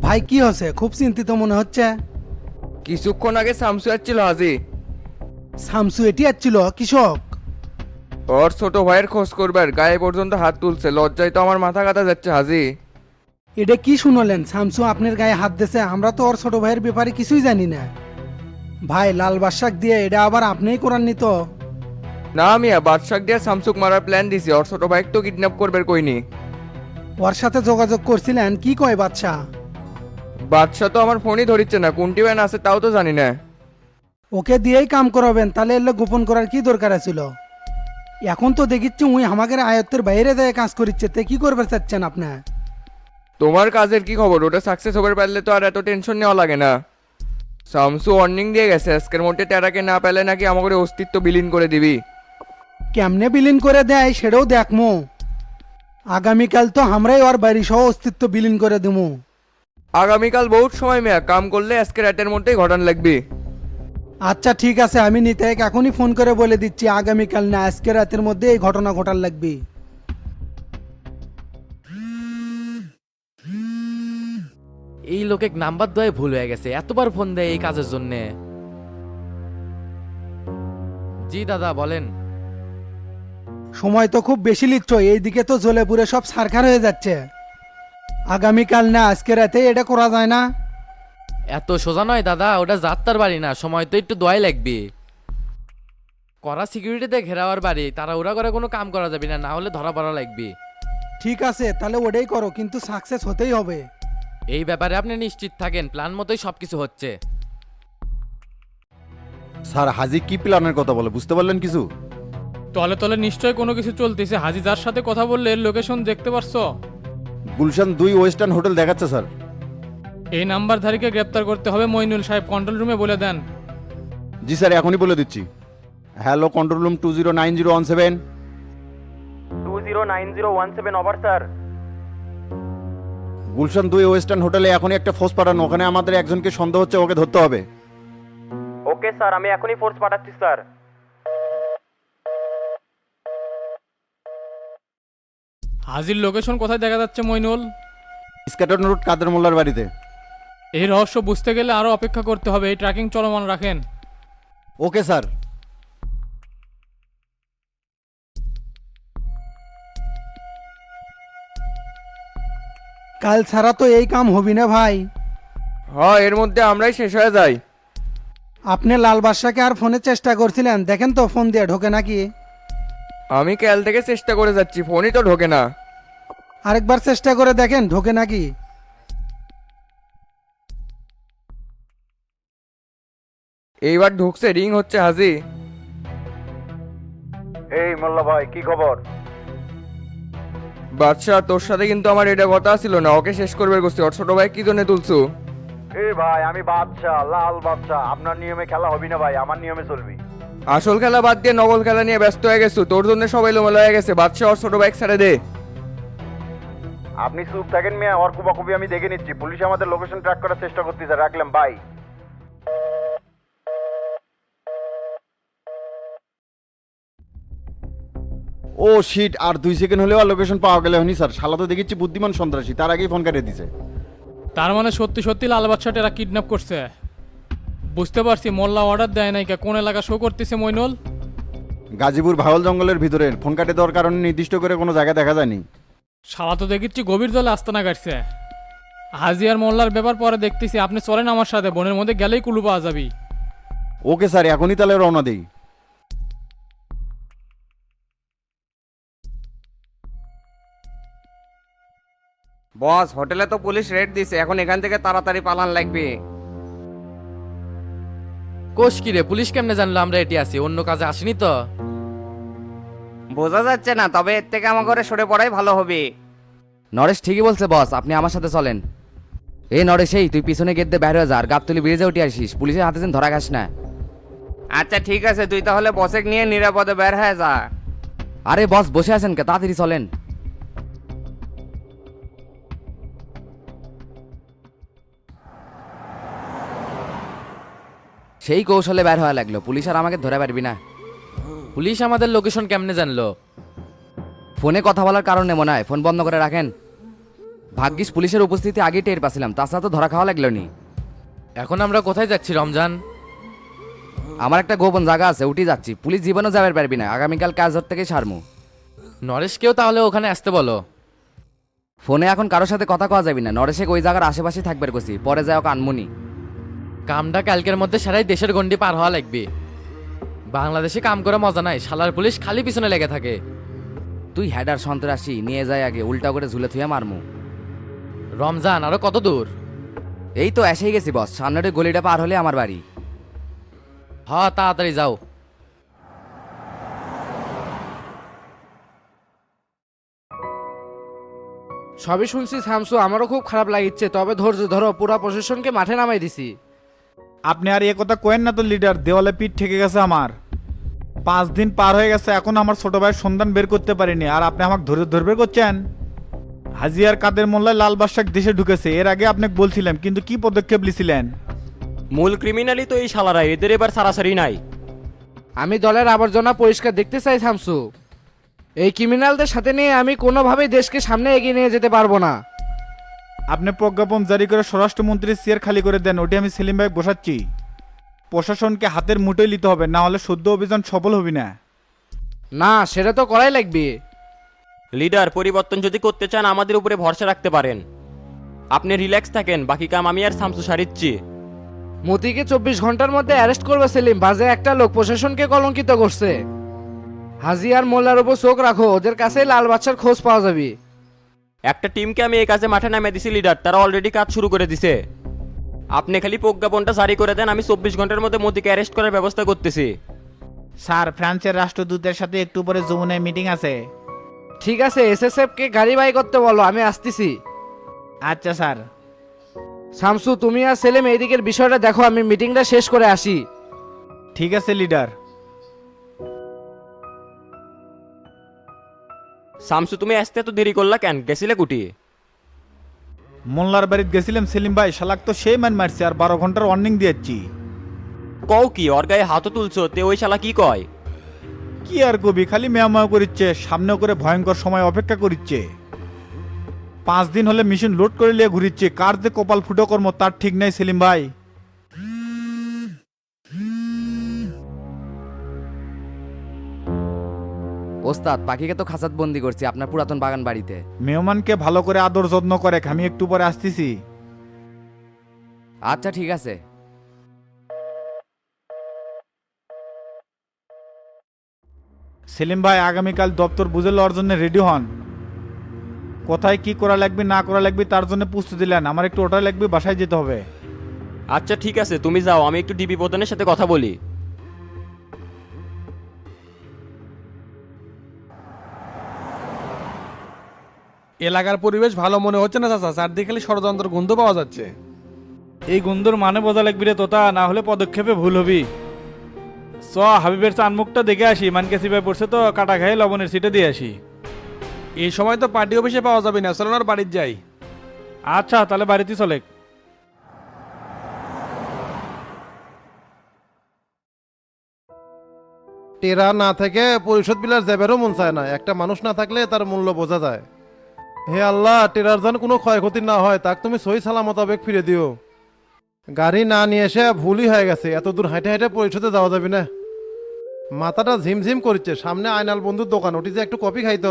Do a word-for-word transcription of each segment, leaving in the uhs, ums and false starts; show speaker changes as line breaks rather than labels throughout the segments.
ভাই কি হচ্ছে? খুব চিন্তিত মনে হচ্ছে।
কিছুক্ষণ আগে শামসু আসছিল হাজি।
শামসু এটি আসছিল কৃষক?
ওর ছোট ভাইয়ের খোঁজ করবার গায়ে পর্যন্ত হাত তুলছে, লজ্জায় তো আমার মাথা কাটা যাচ্ছে হাজি।
এটা কি শুনলেন? শামসু আপনার গায়ে হাত দিয়েছে? আমরা তো ওর ছোট ভাইয়ের ব্যাপারে কিছুই জানি না। ভাই লাল বাদশাক দিয়ে এটা আবার আপনিই করাননি তো?
না মিয়া, বাদশাক দিয়ে শামসুক মারার প্ল্যান দিছি, ওর ছোট ভাইকে তো কিডন্যাপ করবার কইনি।
ওর সাথে যোগাযোগ করছিলেন? কি কয় বাদশা?
বাদশা তো আমার ফোনই ধরিচ্ছে না, কোনটি ব্যান আছে তাও তো জানি না।
ওকে দিয়েই কাম করাবেন? তাহলে এলে গোপন করার কি দরকার ছিল? এখন তো দেখিচ্ছি উই আমাদের আয়ত্তের বাইরে দেয় কাজ করিচ্ছে, তে কি করবে চাচ্ছেন আপনি?
তোমার কাজের কি খবর? ওটা সাকসেস হবার পারলে তো আর এত টেনশন নেওয়া লাগে না। শামসু ওয়ার্নিং দিয়ে গেছে, আজকের মধ্যে টেরাকে না পেলে নাকি আমাকে অস্তিত্ব বিলীন করে দিবি।
কেমনে বিলীন করে দেয় সেটাও দেখমু। আগামীকাল তো আমরাই ওর বাড়ি সহ অস্তিত্ব বিলীন করে দিমু।
আগামীকাল বহুত সময় মেয়া, কাম করলে আজকে রাতের মধ্যেই ঘটান লাগবে।
আচ্ছা ঠিক আছে, আমি নিতাইকে এখনই ফোন করে বলে দিচ্ছি আগামীকাল না আজকে রাতের মধ্যে এই ঘটনা ঘটার লাগবে।
এই লোকে নাম্বার দেওয়াই ভুল হয়ে গেছে, এতবার ফোন দেয় এই কাজের জন্য। জি দাদা বলেন।
সময় তো খুব বেশি লিচ্ছ, এইদিকে তো জ্বলে পুড়ে সব সারখার হয়ে যাচ্ছে। আগামীকাল না আজকে রাতে এটা করা যায় না?
এত সোজা নয় দাদা, ওটা যাত্রার বাড়ি না, সময় তো একটু দোয়াই লাগবে। করা সিকিউরিটিতে ঘেরাওয়ার বাড়ি, তারা ওরা করে কোনো কাম করা যাবে না, না হলে ধরা পড়া লাগবে।
ঠিক আছে তাহলে ওটাই করো, কিন্তু সাকসেস হতেই হবে।
এই ব্যাপারে আপনি নিশ্চিত থাকেন, প্ল্যান মতোই সবকিছু হচ্ছে।
স্যার হাজি কি প্ল্যানের কথা বলে বুঝতে পারলেন কিছু?
তলে তলে নিশ্চয় কোনো কিছু চলতেছে। হাজি যার সাথে কথা বললে লোকেশন দেখতে পারছো?
গুলশান দুই ওয়েস্টার্ন হোটেল দেখাচ্ছে স্যার।
এই নাম্বারধারীকে গ্রেপ্তার করতে হবে। মইনুল সাহেব কন্ট্রোল রুমে বলে দেন।
জি স্যার এখনই বলে দিচ্ছি। Hello control room two zero nine zero one seven.
Two zero nine zero one seven over sir.
Gulshan দুই ওয়েস্টার্ন হোটেলে এখনই একটা ফোর্স পাঠানো, ওখানে আমাদের একজনকে সন্দেহ হচ্ছে, ওকে ধরতে হবে।
ওকে স্যার, আমি এখনই ফোর্স পাঠাচ্ছি স্যার।
হাজির লোকেশন কোথায় দেখা যাচ্ছে মইনুল?
স্ক্যাটন রোড কাদের মোল্লার বাড়িতে।
এই রহস্য বুঝতে গেলে আরো অপেক্ষা করতে হবে। এই ট্র্যাকিং চলমান রাখেন।
Okay sir.
কাল ছাড়া তো এই কাম হবি না ভাই।
হ্যাঁ, এর মধ্যে আমরাই শেষ হয়ে যাই।
আপনি লাল বাদশাকে আর ফোনে চেষ্টা করছিলেন? দেখেন তো ফোন দিয়ে ঢোকে নাকি।
আমি কাল থেকে চেষ্টা করে যাচ্ছি, ফোনই তো ঢোকে না।
আরেকবার চেষ্টা করে দেখেন ঢোকে নাকি।
এইবার ঢুকছে, রিং হচ্ছে হাজি।
এই মোল্লা ভাই কি খবর?
বাদশাহ তোর সাথে কিন্তু আমার এটা কথা ছিল না, ওকে শেষ করবে করছি। ওর ছোট ভাই কি জন্য তুলছু?
এই ভাই আমি বাদশাহ, লাল বাদশাহ, আপনার নিয়মে খেলা হবি না ভাই, আমার নিয়মে চলবি।
আসল খেলা বাদ দিয়ে নকল খেলা নিয়ে ব্যস্ত হয়ে গেছো, তোর জন্য সবাই লোমেলা হয়ে গেছে। বাদশাহ ওর ছোট ভাই ছেড়ে দে।
আপনি চুপ থাকেন মিয়া, ওর কুবাকুবি আমি দেখে নিচ্ছি। পুলিশ আমাদের লোকেশন ট্র্যাক করার চেষ্টা করতেছে, রাখলাম বাই। ও শিট, আর দুই সেকেন্ড হলেও আর লোকেশন পাওয়া গেলে হয়নি স্যার। শালা তো দেখেছি বুদ্ধিমান সন্ত্রাসী, তার আগেই ফোন কাটিয়ে দিছে।
তার মানে সত্যি সত্যি লাল বাদশাটা এরা কিডন্যাপ করছে। বুঝতে পারছি। মোল্লা অর্ডার দেয় নাই কে? কোন এলাকা শো করতেছে মইনুল?
গাজীপুর ভাওয়াল জঙ্গলের ভিতরে। ফোন কাটে দেওয়ার কারণে নির্দিষ্ট করে কোনো জায়গা দেখা যায়নি।
শালা তো দেখিচ্ছি গভীর জলে আস্তানা কাটছে। হাজি আর মোল্লার ব্যাপার পরে দেখতেছি। আপনি চলেন আমার সাথে, বনের মধ্যে গেলেই কুলু পাওয়া যাবি।
ওকে স্যার, এখনই তাহলে রওনা দেই।
বস, হোটেলে তো পুলিশ রেড দিছে, এখন এখান থেকে তাড়াতাড়ি পালান লাগবে।
কোষ কি রে, পুলিশ কেমনে জানলো আমরা এটি আছি? অন্য কাজে আসিনি তো।
বোঝা যাচ্ছে না, তবে এর থেকে আমার ঘরে সরে পড়াই ভালো হবে।
নরেশ ঠিকই বলছে বস, আপনি আমার সাথে চলেন। এই নরেশ, এই তুই পিছনে গেট দিয়ে বাইরে যা, আর গাবতলি ব্রিজে উঠে আসিস, পুলিশের হাতে যেন ধরা খাস না।
আচ্ছা ঠিক আছে, তুই তাহলে বসেক নিয়ে নিরাপদে বের হয়ে যা।
আরে বস বসে আছেন কে, তাড়াতাড়ি চলেন। সেই কৌশলে বের হওয়া লাগলো, পুলিশ আর আমাকে ধরে পারবি না।
পুলিশ আমাদের লোকেশন কেমনে জানলো?
ফোনে কথা বলার কারণে মনে হয়। ফোন বন্ধ করে রাখেন। ভাগ্যিস পুলিশের উপস্থিতি আগে টের পাছিলাম, তাছাড়া তো ধরা খাওয়া লাগলো নি।
এখন আমরা কোথায় যাচ্ছি রমজান?
আমার একটা গোপন জায়গা আছে, উঠি যাচ্ছি। পুলিশ জীবনও যাবার পারবি না, আগামীকাল কাজ ধর থেকে সারমু।
নরেশকেও তাহলে ওখানে আসতে বলো।
ফোনে এখন কারোর সাথে কথা কওয়া যাবি না, নরেশে ওই জায়গার আশেপাশে থাকবার কছি, পরে যায় ওকে আনমুনি।
কামটা কালকের মধ্যে সারাই দেশের গন্ডি পার হওয়া লাগবে। বাংলাদেশে কাম করে মজা নাই, শালার পুলিশ খালি পিছনে লেগে থাকে।
তুই হেডার সন্ত্রাসী নিয়ে যায় আগে, উল্টা করে ঝুলে থুয়ে মারমু।
রমজান আরো কত দূর?
এই তো এসেই গেছি বস, সামনের ওই গলিটা পার হলে আমার বাড়ি।
হ তাড়াতাড়ি যাও।
সবই শুনছি শামসু, আমারও খুব খারাপ লাগিচ্ছে, তবে ধৈর্য ধরো, পুরা প্রশাসনকে মাঠে নামাই দিছি।
আপনি আর এ কথা কোয়েন না তো লিডার, দেওয়ালে পিঠ ঠেকে গেছে আমার। পাঁচ দিন পার হয়ে গেছে, এখন আমার ছোট ভাইয়ের সন্ধান বের করতে পারিনি, আর আপনি আমাকে ধরে ধরবে করছেন। হাজিয়ার কাদের মোল্লায় লাল বাদশাহ দেশে ঢুকেছে, এর আগে আপনাকে বলছিলাম, কিন্তু কি পদক্ষেপ নিয়েছিলেন?
মূল ক্রিমিনালই তো এই শালারা, এদের এবার সারাসারি নাই।
আমি দলের আবর্জনা পরিষ্কার দেখতে চাই শামসু। এই ক্রিমিনালদের সাথে নিয়ে আমি কোনোভাবেই দেশকে সামনে এগিয়ে নিয়ে যেতে পারবো না।
আপনি প্রজ্ঞাপন জারি করে স্বরাষ্ট্রমন্ত্রীর চেয়ার খালি করে দেন, ওটি আমি সেলিম ভাই বসাচ্ছি। প্রশাসনকে হাতের মুঠোয় নিতে হবে, না হলে সদ্য অভিযান সফল হবে না।
না, সেটা তো করাই লাগবে।
লিডার, পরিবর্তন যদি করতে চান আমাদের উপরে ভরসা রাখতে পারেন। আপনি রিল্যাক্স থাকেন, বাকি কাম আমি আর শামসু সারিচ্ছি।
মতিকে চব্বিশ ঘন্টার মধ্যে অ্যারেস্ট করবে সেলিম, বাজে একটা লোক প্রশাসনকে কলঙ্কিত করছে। হাজি আর মোল্লার উপর চোখ রাখো, ওদের কাছে লাল বাচ্চার খোঁজ পাওয়া যাবে।
একটা টিমকে আমি এই কাজে মাঠে নামিয়ে দিছি লিডার, তারা অলরেডি কাজ শুরু করে দিছে। আপনি খালি প্রজ্ঞাপনটা জারি করে দেন, আমি চব্বিশ ঘন্টার মধ্যে মোদিকে অ্যারেস্ট করার ব্যবস্থা করতেছি।
স্যার, ফ্রান্সের রাষ্ট্রদূতের সাথে একটু পরে যমুনায় মিটিং আছে।
ঠিক আছে, এসএসএফ কে গাড়ি বাই করতে বলো, আমি আসতেছি।
আচ্ছা স্যার।
শামসু, তুমি আর সেলিম এইদিকের বিষয়টা দেখো, আমি মিটিংটা শেষ করে আসি।
ঠিক আছে লিডার।
শামসু, তুমি আসতে এত দেরি করলা কেন? গেছিলে কুটি?
মোল্লার বাড়িতে গেছিলাম সেলিম ভাই, শালাক তো সেই মান মারছে, আর বারো ঘন্টার ওয়ার্নিং দিয়েছি।
কও কি? ওর গায়ে হাতও তুলছো, তে ওই শালা কি কয়?
কি আর কবি, খালি মেয়াময় করিচ্ছে, সামনে করে ভয়ঙ্কর সময় অপেক্ষা করিচ্ছে। পাঁচ দিন হলে মেশিন লোড করে নিয়ে ঘুরিচ্ছে, কার যে কপাল ফুটো কর্ম তার ঠিক নাই সেলিম ভাই।
ওস্তাদ, পাখিকে তো খাঁচাত বন্দি করছি আপনার পুরাতন বাগান বাড়িতে।
মেহমানকে ভালো করে আদর যত্ন করে, আমি একটু পরে আসতেছি।
আচ্ছা ঠিক আছে।
সেলিম ভাই, আগামীকাল দপ্তর বুঝে লওয়ার জন্য রেডি হন। কোথায় কি করা লাগবে না করা লাগবে তার জন্য প্রস্তুতি দিলেন, আমার একটু ওটা লাগবে, বাসায় যেতে হবে।
আচ্ছা ঠিক আছে, তুমি যাও, আমি একটু ডিবি প্রধানের সাথে কথা বলি।
এলাকার পরিবেশ ভালো মনে হচ্ছে না চাচা, চারদিকে খালি ষড়যন্ত্র গন্ধ পাওয়া যাচ্ছে।
এই গুন্দর মানে বোঝা লাগবি রে তোতা, না হলে পদক্ষেপে ভুল হবি। চ হাবিবের চানমুখটা দেখে আসি, মানকে সিপাই পড়ছে তো, কাটা খাই লবণের সিটে দিয়ে আসি।
এই সময় তো পার্টি অফিসে পাওয়া যাবে না, চলো না বাড়ির যাই।
আচ্ছা তাহলে বাড়িতে চলে।
টেরা না থেকে পরিশোধ বিলার যাবেরও মন চায় না, একটা মানুষ না থাকলে তার মূল্য বোঝা যায়। হে আল্লাহ, টেরার যেন কোনো ক্ষয়ক্ষতি না হয়, তাক তুমি সহি সালামত আবেগ ফিরে দিও। গাড়ি না নিয়ে এসে ভুলই হয়ে গেছে, এত দূর হাঁটে হাঁটে পরিশোধে যাওয়া যাবে না। মাথাটা ঝিমঝিম করছে, সামনে আয়নাল বন্ধুর দোকান, ওটি যে একটু কফি খাইতো।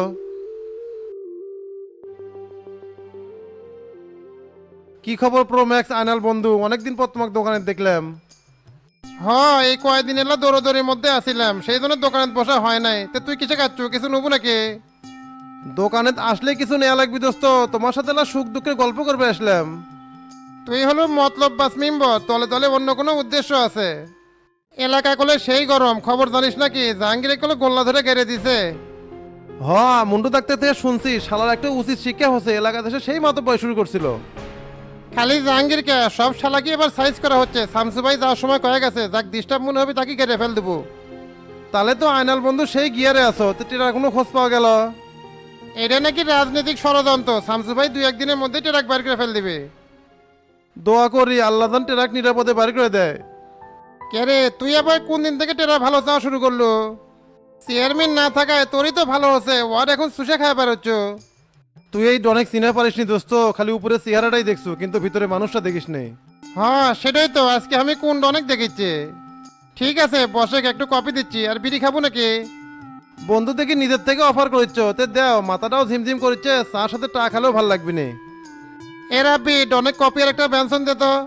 কি খবর প্রো ম্যাক্স আয়নাল বন্ধু, অনেকদিন পর তোমাকে দোকানে দেখলাম। হ্যাঁ, এই কয়েকদিন এলা দৌড়দৌড়ির মধ্যে আসিলাম, সেই জন্য দোকানে বসা হয় নাই। তে তুই কিসে খাচ্ছ, কিছু নেবো নাকি? দোকানে আসলে কিছু নেওয়া লাগবি দোস্ত, তোমার সাথে এলা সুখ দুঃখের গল্প করবে আসলাম। তুই হলো মতলব বাস মেম্বার, তলে তলে অন্য কোনো উদ্দেশ্য আছে। এলাকায় কলে সেই গরম, খবর জানিস নাকি? জাহাঙ্গীরে কলে গোল্লা ধরে গেড়ে দিছে। হ, মুন্ডু ডাক্তার থেকে শুনছি, শালার একটা উচিত শিক্ষা হচ্ছে, এলাকা দেশে সেই মতো বয় শুরু করছিল। খালি জাহাঙ্গীরকে, সব শালাকে এবার সাইজ করা হচ্ছে। শামসু ভাই যাওয়ার সময় কয়ে গেছে, যাক ডিস্টার্ব মনে হবে তাকে কেটে ফেল দেবো। তাহলে তো আয়নাল বন্ধু সেই গিয়ারে আছো, তো টেরার কোনো খোঁজ পাওয়া গেল? এটা নাকি রাজনৈতিক ষড়যন্ত্র, শামসু ভাই দুই একদিনের মধ্যে টেরাক বার করে ফেল দিবে। দোয়া করি আল্লাহ জান টেরাক নিরাপদে বার করে দেয়। কে রে, তুই আবার কোন দিন থেকে টেরা ভালো চাওয়া শুরু করলো? চেয়ারম্যান না থাকায় তোরই তো ভালো হচ্ছে, ওর এখন সুশে খায় পারছ। তুই এই অনেক চিনে পারিস নি দোস্ত, খালি উপরে চেহারাটাই দেখছো কিন্তু ভিতরে মানুষটা দেখিস নে। হ্যাঁ সেটাই তো, আজকে আমি কোন অনেক দেখেছি। ঠিক আছে বসে একটু কপি দিচ্ছি, আর বিড়ি খাবো নাকি? বন্ধু দেখি নিজের থেকে অফার করেছ, তে দেও, মাথাটাও ঝিমঝিম করছে, চার সাথে টা খালেও ভালো লাগবে না। এরা বিট অনেক কপি আর একটা ব্যঞ্জন দে তো।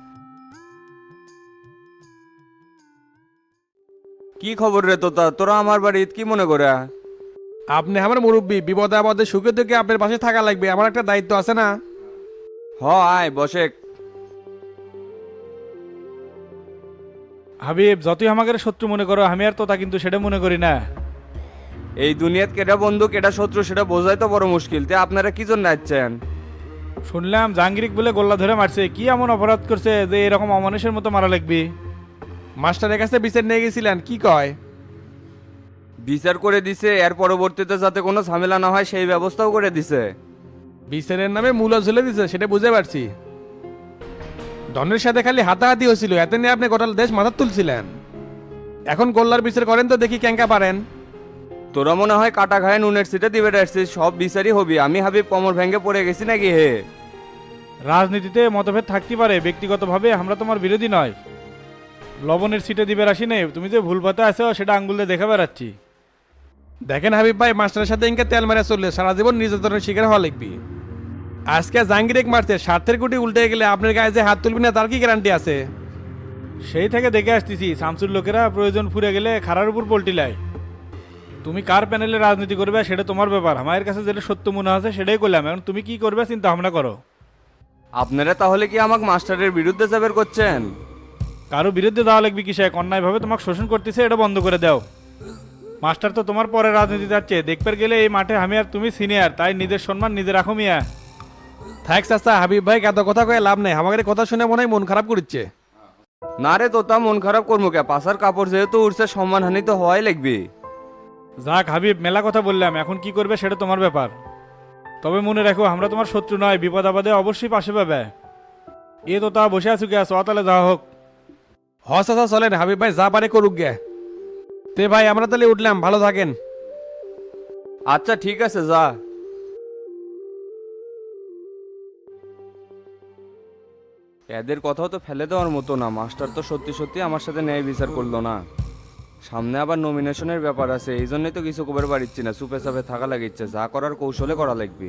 কি খবর রে তোতা, তোরা আমার বাড়ি কি মনে করে?
আপনি আমার মুরব্বী, বিপদে আপদে সুখে দুঃখে আপনার পাশে থাকা লাগবে, আমার একটা দায়িত্ব আছে না?
হ আয় বসে।
হাবিব, যতই আমাকে শত্রু মনে করো, আমি আর তোতা কিন্তু সেটা মনে করি না।
এই দুনিয়াত কেটা বন্ধু কেটা শত্রু সেটা বোঝাই তো বড় মুশকিল। তে আপনারা কি জন্য আসছেন?
শুনলাম জাহাঙ্গীরিক বলে গোল্লা ধরে মারছে, কি এমন অপরাধ করছে যে এরকম অমানুষের মতো মারা লাগবে?
মাস্টারের কাছে বিচার নিয়ে গেছিলেন, কি কয়?
বিচার করে দিছে, এর পরবর্তীতে যাতে কোনো ঝামেলা না হয় সেই ব্যবস্থাও করে দিছে।
বিচারের নামে মূল্য ঝুলে দিছে, সেটা বুঝতে পারছি। ডনের সাথে খালি হাতাহাতি হয়েছিল, এতে নিয়ে আপনি গোটা দেশ মাথা তুলছিলেন। এখন গোল্লার বিচার করেন তো দেখি ক্যাঙ্কা পারেন।
তোরা মনে হয় কাটা খায় নুনের সিটে দিবে আসছিস, সব বিচারই হবি। আমি হাবিব কোমর ভেঙে পড়ে গেছি নাকি হে?
রাজনীতিতে মতভেদ থাকতে পারে, ব্যক্তিগতভাবে আমরা তোমার বিরোধী নয়। লবণের সিটে দিবে আসি নেই, তুমি যে ভুল পথে আছো সেটা আঙ্গুলে দেখা বেড়াচ্ছি।
দেখেন হাবিব ভাই, মাস্টারের সাথে ইনকে তেল মারা চললে সারা জীবন নির্যাতনের শিকার হওয়া লিখবি। আজকে জাহাঙ্গীরেক মারছে, স্বার্থের গুটি উল্টে গেলে আপনার গায়ে যে হাত তুলবি না তার কি গ্যারান্টি আছে?
সেই থেকে দেখে আসতেছি শামসুর লোকেরা প্রয়োজন ফুরে গেলে খারার উপর পল্টি লাই। তুমি কার প্যানেলে রাজনীতি করবে সেটা তোমার ব্যাপার, আমার কাছে যেটা সত্য মনে আছে সেটাই করলাম। এখন তুমি কি করবে চিন্তা ভাবনা করো।
আপনারা তাহলে কি আমাকে মাস্টারের বিরুদ্ধে যাবের করছেন?
কারো বিরুদ্ধে যাওয়া লাগবে কিসে? অন্যায়ভাবে তোমাকে শোষণ করতেছে, এটা বন্ধ করে দাও। মাস্টার তো তোমার পরে রাজনীতি যাচ্ছে, দেখতে গেলে এই মাঠে আমি আর তুমি সিনিয়র, তাই নিজের সম্মান নিজে রাখো মিয়া।
থাক চাচা, হাবিব ভাই এত কথা কয়ে লাভ নেই, আমাদের কথা শুনে মনে হয় মন খারাপ করছে।
না রে তোতা, মন খারাপ করবো কে? পাশার কাপড় যেহেতু উঠছে, সম্মানহানি তো হওয়াই লাগবে।
যাক হাবিব, মেলা কথা বললাম, এখন কি করবে সেটা তোমার ব্যাপার। তবে মনে রাখো আমরা তোমার শত্রু নয়, বিপদ আপদে অবশ্যই পাশে পাবে। এ তো তা বসে আছো কে? তাহলে যাওয়া হোক।
হ চাচা চলেন, হাবিব ভাই যা পারে করুক গে। তে ভাই আমরা তাহলে উঠলাম, ভালো থাকেন।
আচ্ছা ঠিক আছে যা। এদের কথাও তো ফেলে দেওয়ার মতো না, মাস্টার তো সত্যি সত্যি আমার সাথে ন্যায় বিচার করলো না। সামনে আবার নমিনেশনের ব্যাপার আছে, এই জন্যই তো কিছু কবার পারিচ্ছি না, চুপে চাপে থাকা লাগিচ্ছে। যা করার কৌশলে করা লাগবে।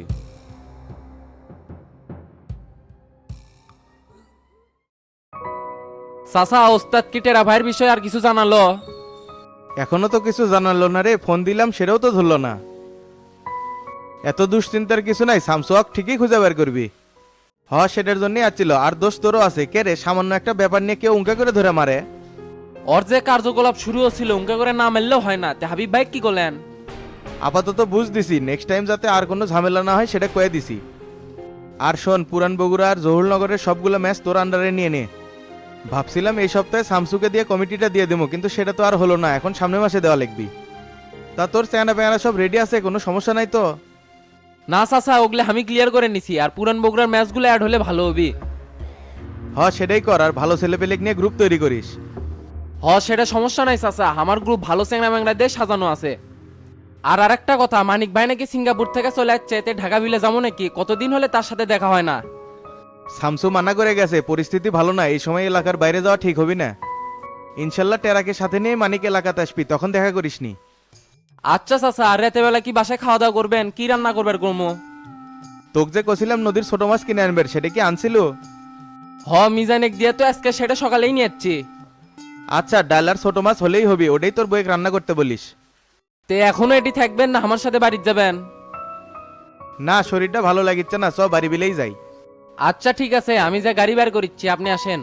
চাচা, ওস্তাদ কি টেরা ভাইয়ের বিষয়ে আর কিছু জানালো?
এখনো তো কিছু জানালো না রে, ফোন দিলাম সেটাও তো ধরলো না। এত দুশ্চিন্তার কিছু নাই, স্যামসুয়াক ঠিকই খুঁজে বের করবি। হ সেটার জন্যই আসছিল, আর দোষ তোরও আছে। কে রে, সামান্য একটা ব্যাপার নিয়ে কেউ উঙ্কা করে ধরে মারে?
ওর যে কার্যকলাপ শুরু হচ্ছিল উনকা করে না মারলেও হয় না। তে হাবিব ভাই কি করলেন?
আপাতত বুঝ দিছি, নেক্সট টাইম যাতে আর কোনো ঝামেলা না হয় সেটা কয়ে দিছি। আর শোন, পুরান বগুড়া আর জহুরনগরের সবগুলো ম্যাচ তোর আন্ডারে নিয়ে নে। ভাবছিলাম এই সপ্তাহে শামসুকে দিয়ে কমিটিটা দিয়ে দেবো, কিন্তু সেটা তো আর হলো না, এখন সামনের মাসে দেওয়া লিখবি। তা তোর চেহারা পেয়ারা সব রেডি আছে, কোনো সমস্যা নাই তো?
না চাচা, ওগুলো আমি ক্লিয়ার করে নিছি, আর পুরান বগুড়ার ম্যাচগুলো অ্যাড হলে ভালো হবে।
হ সেটাই কর, আর ভালো ছেলে পেলে নিয়ে গ্রুপ তৈরি করিস।
হ সেটা সমস্যা নাই চাচা, আমার গ্রুপ ভালো চ্যাংরা ম্যাংরা দিয়ে সাজানো আছে। আর আরেকটা কথা, মানিক ভাই নাকি সিঙ্গাপুর থেকে চলে যাচ্ছে, এতে ঢাকা বিলে যাবো নাকি? কতদিন হলে তার সাথে দেখা হয় না।
শামসু মানা করে গেছে, পরিস্থিতি ভালো না, এই সময় এলাকার বাইরে যাওয়া ঠিক হবি না। ইনশাল্লাহ টেরাকে সাথে নিয়ে মানিক এলাকাতে আসবি, তখন দেখা করিসনি।
আচ্ছা চাচা, আর রাতে বেলা কি বাসায় খাওয়া দাওয়া করবেন? কি রান্না করবেন কর্ম?
তোকে যে কছিলাম নদীর ছোট মাছ কিনে আনবে, সেটা কি আনছিল?
হ মিজানেক দিয়ে তো আজকে সেটা সকালেই নিয়ে যাচ্ছি।
আচ্ছা, ডাল আর ছোট মাছ হলেই হবি, ওটাই তোর বইয়ে রান্না করতে বলিস।
তে এখনো এটি থাকবেন না আমার সাথে বাড়িতে যাবেন?
না, শরীরটা ভালো লাগিচ্ছে না, সব বাড়ি বিলেই যাই।
আচ্ছা ঠিক আছে, আমি যা গাড়ি বের করিচ্ছি, আপনি আসেন।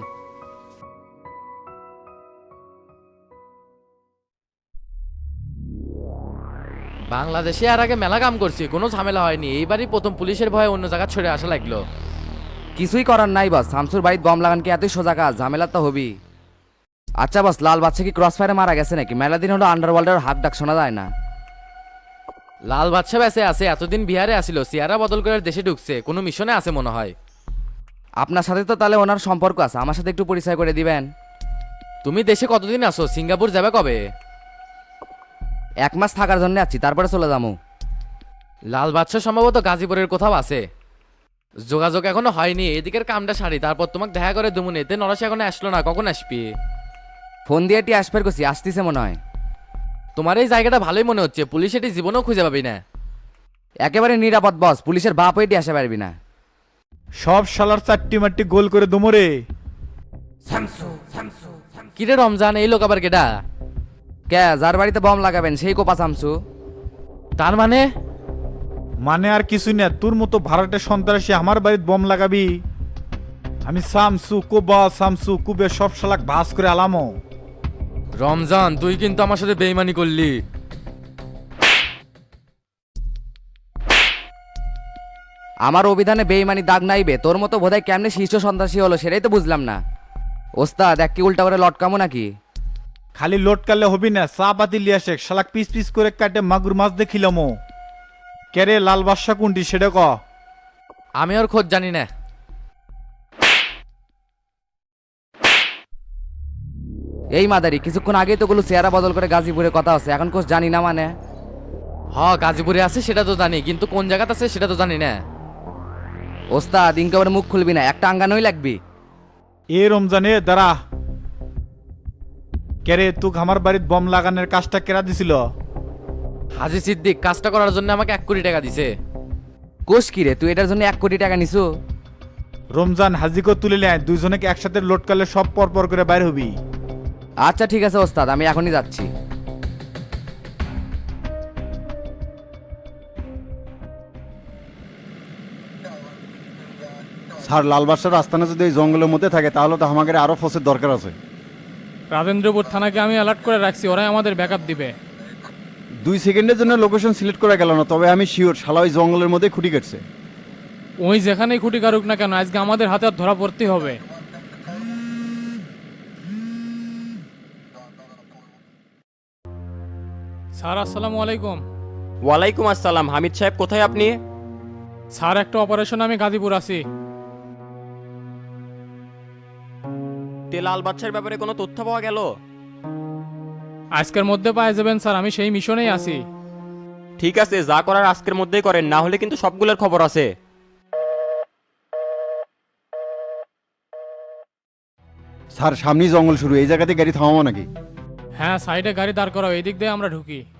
বাংলাদেশে আর আগে মেলা কাম করছি, কোনো ঝামেলা হয়নি। এইবারই প্রথম পুলিশের ভয়ে অন্য জায়গা ছড়ে আসা লাগলো।
কিছুই করার নাই বস, শামসুর বাড়িতে বম লাগান কি এতই সোজা কাজ? ঝামেলা তো হবি। আচ্ছা বস, লাল বাচ্চা কি ক্রস ফায়ারে মারা গেছে নাকি? মেলা দিন হলো আন্ডারওয়ার্ল্ডের হাত ডাক শোনা যায় না।
লাল বাদশা বেঁচে আছে, এতদিন বিহারে আসিল, চেহারা বদল করে দেশে ঢুকছে, কোনো মিশনে আছে মনে হয়।
আপনার সাথে তো তাহলে ওনার সম্পর্ক আছে, আমার সাথে একটু পরিচয় করে দিবেন।
তুমি দেশে কতদিন আসো? সিঙ্গাপুর যাবে কবে?
এক মাস থাকার জন্য আছি, তারপরে চলে যাবো।
লাল বাদশা সম্ভবত গাজীপুরের কোথাও আছে। যোগাযোগ এখনো হয়নি, এদিকের কামটা সারি তারপর তোমাকে দেখা করে দুমুনি। এতে নরসে এখনো আসলো না, কখন আসবি?
ফোন দিয়ে টি আসবার করছি, আসতেছে মনে হয়।
তোমার এই জায়গাটা ভালোই মনে হচ্ছে, পুলিশ এটি জীবনেও খুঁজে পাবি না।
একেবারে নিরাপদ বস, পুলিশের বাপ হয়ে আসতে পারবি না।
সব শালার চারটি মারটি গোল করে দমরে।
কিরে রমজান, এই লোক আবার কেডা?
কে যার বাড়িতে বম লাগাবেন সেই কোপা শামসু।
তার মানে
মানে আর কিছু না, তোর মতো ভাড়াটে সন্ত্রাসী আমার বাড়িতে বম লাগাবি? আমি সামসু কোবা সামসু কুবে সব শালাক ভাস করে আলামো।
রমজান, তুই কিন্তু আমার সাথে বেইমানি করলি।
আমার অভিধানে বেইমানি দাগ নাইবে, তোর মতো বোধহয় কেমনে শীর্ষ সন্ত্রাসী হলো সেটাই তো বুঝলাম না। ওস্তাদ এক কি উল্টা করে লটকামো নাকি?
খালি লোড কালে হবি না, চা পাতি লিয়া শেখ, শালাক পিস পিস করে কাটে মাগুর মাছ দেখিলামো। কেরে লাল বাদশা কোনটি সেটা ক।
আমি ওর খোঁজ জানি না।
এই মাদারি কিছুক্ষণ আগেই তো গুলো চেহারা বদল করে গাজীপুরে কথা আছে, এখন কোচ জানি না মানে?
হ, গাজীপুরে আছে সেটা তো জানি, কিন্তু কোন জায়গাতে আছে সেটা তো জানি না।
ওস্তাদ ইনকাবার মুখ খুলবি না, একটা আঙ্গানোই লাগবি।
এ রমজানে দাঁড়া। কেরে তুক আমার বাড়িতে বম লাগানোর কাজটা কেরা দিছিল?
হাজি সিদ্দিক কাজটা করার জন্য আমাকে এক কোটি টাকা দিছে।
কোষ কি রে, তুই এটার জন্য এক কোটি টাকা নিছু?
রমজান হাজিকে তুলে নেয়, দুইজনকে একসাথে লোড করলে সব পর পর করে বাইর হবি।
আচ্ছা ঠিক আছে ওস্তাদ, আমি এখনই যাচ্ছি।
স্যার লাল বাদশার আস্তানা যদি এই জঙ্গলের মধ্যে থাকে তাহলে তো আমাদের আরো ফোর্সের দরকার আছে।
রাজেন্দ্রপুর থানাকে আমি অ্যালার্ট করে রাখছি, ওরাই আমাদের ব্যাকআপ দিবে।
দুই সেকেন্ডের জন্য লোকেশন সিলেক্ট করা গেল না, তবে আমি শিওর শালা ওই জঙ্গলের মধ্যে খুঁটি কাটছে।
ওই যেখানেই খুঁটি কারুক না কেন, আজকে আমাদের হাতে আর ধরা পড়তে হবে। স্যার আসসালামু আলাইকুম।
ওয়ালাইকুম আসসালাম। হামিদ সাহেব কোথায় আপনি?
স্যার একটা অপারেশন আমি গাজীপুর আছি।
তে লাল বাদশার ব্যাপারে কোনো তথ্য পাওয়া গেল?
আজকের মধ্যে পাওয়া যাবেন স্যার, আমি সেই মিশনেই আছি।
ঠিক আছে, যা করার আজকের মধ্যেই করেন, না হলে কিন্তু সবগুলোর খবর আছে।
স্যার সামনেই জঙ্গল শুরু, এই জায়গাতে গাড়ি থামাবো নাকি?
হ্যাঁ, সাইডে গাড়ি দাঁড় করাও, এই দিক দিয়ে আমরা ঢুকি।